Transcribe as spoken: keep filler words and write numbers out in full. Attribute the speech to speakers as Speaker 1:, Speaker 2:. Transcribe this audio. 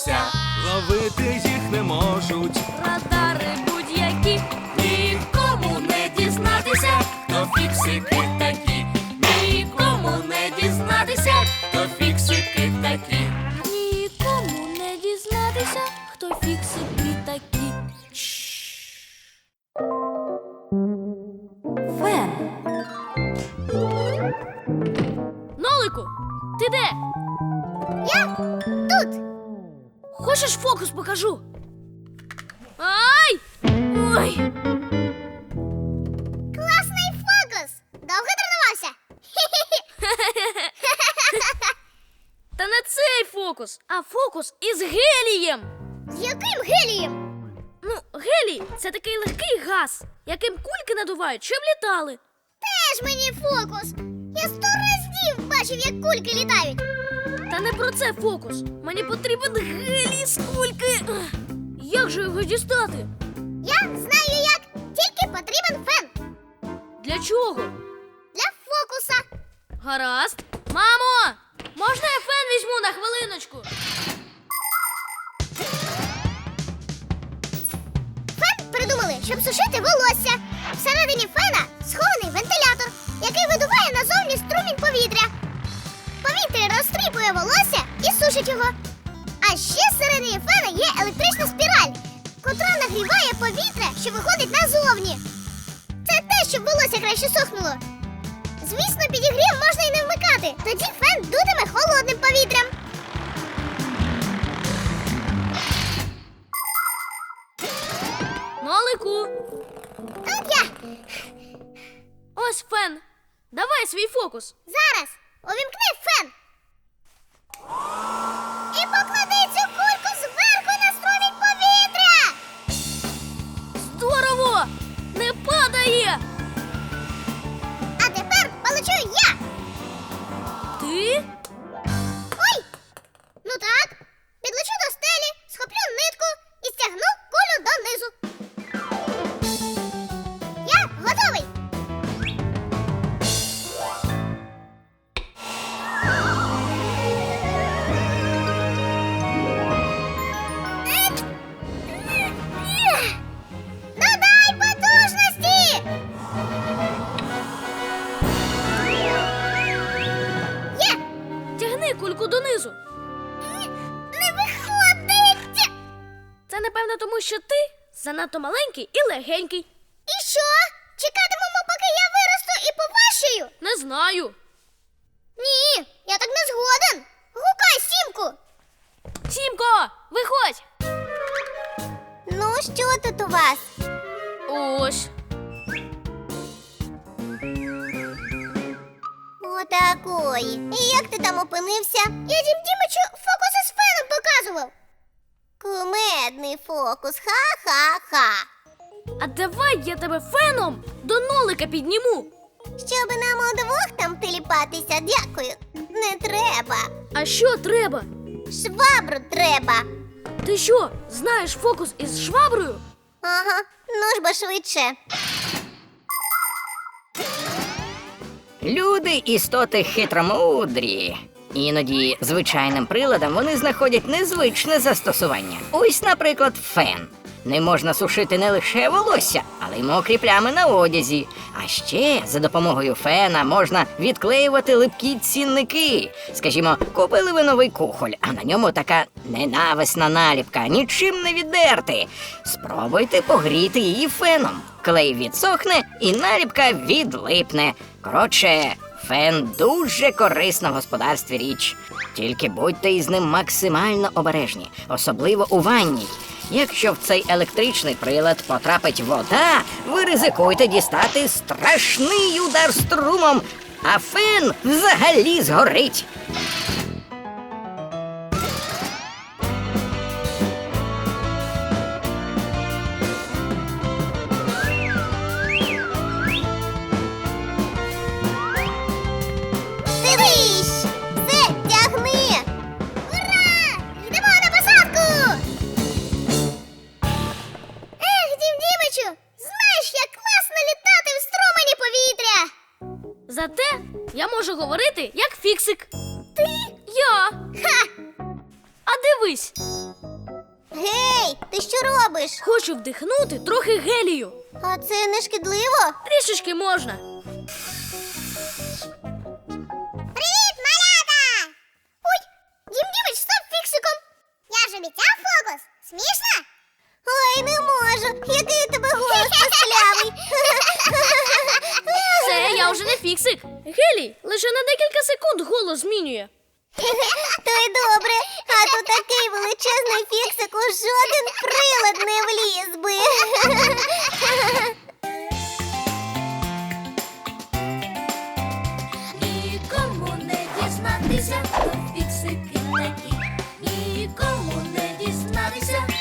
Speaker 1: волосся, ловити їх не можуть.
Speaker 2: Радари будь-які,
Speaker 1: Нікому не дізнатися, хто фіксики такі. Нікому не дізнатися, хто фіксики такі.
Speaker 2: нікому не дізнатися, хто фіксики такі. Фен. Нолику, ти де?
Speaker 3: Я тут.
Speaker 2: Хочеш фокус покажу? Ай! Ой!
Speaker 3: Класний фокус. Довго тренувався?
Speaker 2: Та не цей фокус, а фокус із гелієм.
Speaker 3: З яким гелієм?
Speaker 2: Ну, гелій – це такий легкий газ, яким кульки надувають, щоб літали.
Speaker 3: Теж мені фокус. Я сто разів бачив, як кульки літають.
Speaker 2: Та не про це фокус. Мені потрібен гелій з кульки. Ех, Як же його дістати?
Speaker 3: Я знаю як. Тільки потрібен фен.
Speaker 2: Для чого?
Speaker 3: Для фокуса.
Speaker 2: Гаразд. Мамо! Можна я фен візьму на хвилиночку?
Speaker 3: Фен придумали, щоб сушити волосся. Всередині фена схований вентилятор, який видуває назовні струмінь повітря. Повітря розтріпує волосся і сушить його. А ще всередині фена є електрична спіраль, котра нагріває повітря, що виходить назовні. Це те, щоб волосся краще сохнуло. Звісно, підігрів можна і не вмикати. Тоді фен дутиме холодним повітрям.
Speaker 2: Нолику,
Speaker 3: Тут я.
Speaker 2: ось фен. Давай свій фокус.
Speaker 3: Зараз увімкни фен. І поклади цю кульку зверху на струмінь повітря.
Speaker 2: Здорово! Не падає!
Speaker 3: А тепер полечу я.
Speaker 2: Ти?
Speaker 3: Ой! Ну так. Підлечу до стелі, схоплю нитку і стягну кулю донизу. Я готовий. Додай потужності! Є!
Speaker 2: Тягни кульку донизу.
Speaker 3: Не виходить!
Speaker 2: Це, напевно, тому що ти занадто маленький і легенький.
Speaker 3: І що? Чекатимемо, поки я виросту і поважчаю?
Speaker 2: Не знаю.
Speaker 3: Ні, я так не згоден. Гукай Сімку.
Speaker 2: Сімко, виходь!
Speaker 3: Ну, що тут у вас?
Speaker 2: Ось.
Speaker 3: Отакої. І як ти там опинився? Я Дім Дімичу фокуси з феном показував. Кумедний фокус, ха-ха-ха.
Speaker 2: А давай я тебе феном до нолика підніму.
Speaker 3: Щоб нам удвох там теліпатися, дякую. Не треба.
Speaker 2: А що треба?
Speaker 3: Швабру треба.
Speaker 2: Ти що, знаєш фокус із шваброю?
Speaker 3: Ага, ну ж бо швидше.
Speaker 4: Люди – істоти хитромудрі. Іноді звичайним приладам вони знаходять незвичне застосування. Ось, наприклад, фен. Не можна сушити не лише волосся, але й мокрі плями на одязі. А ще за допомогою фена можна відклеювати липкі цінники. Скажімо, купили ви новий кухоль, а на ньому така ненависна наліпка, нічим не віддерти. Спробуйте погріти її феном. Клей відсохне і наліпка відлипне. Коротше, фен дуже корисна в господарстві річ. Тільки будьте із ним максимально обережні, особливо у ванній. Якщо в цей електричний прилад потрапить вода, ви ризикуєте дістати страшний удар струмом, а фен взагалі згорить.
Speaker 3: Дивись! Все, тягни! Ура! Йдемо на посадку! Ех, Дім Дімичу, знаєш, як класно літати в струмені повітря!
Speaker 2: Зате я можу говорити як фіксик.
Speaker 3: Ти?
Speaker 2: Я.
Speaker 3: Ха!
Speaker 2: А дивись,
Speaker 3: Гей, ти що робиш?
Speaker 2: Хочу вдихнути трохи гелію.
Speaker 3: А це не шкідливо?
Speaker 2: Трішечки можна.
Speaker 3: Привіт, малята! Ой, Дім Дімич, стоп фіксиком! Я ж обіцяв фокус. Смішно? Ой, не можу. Який у тебе голос писклявий.
Speaker 2: Це я вже не фіксик. Гелій лише на декілька секунд голос змінює.
Speaker 3: То й добре. А то такий величезний фіксик у жоден прилад не вліз би.
Speaker 1: Нікому не дізнатися, хто фіксики такі. Нікому не дізнатися,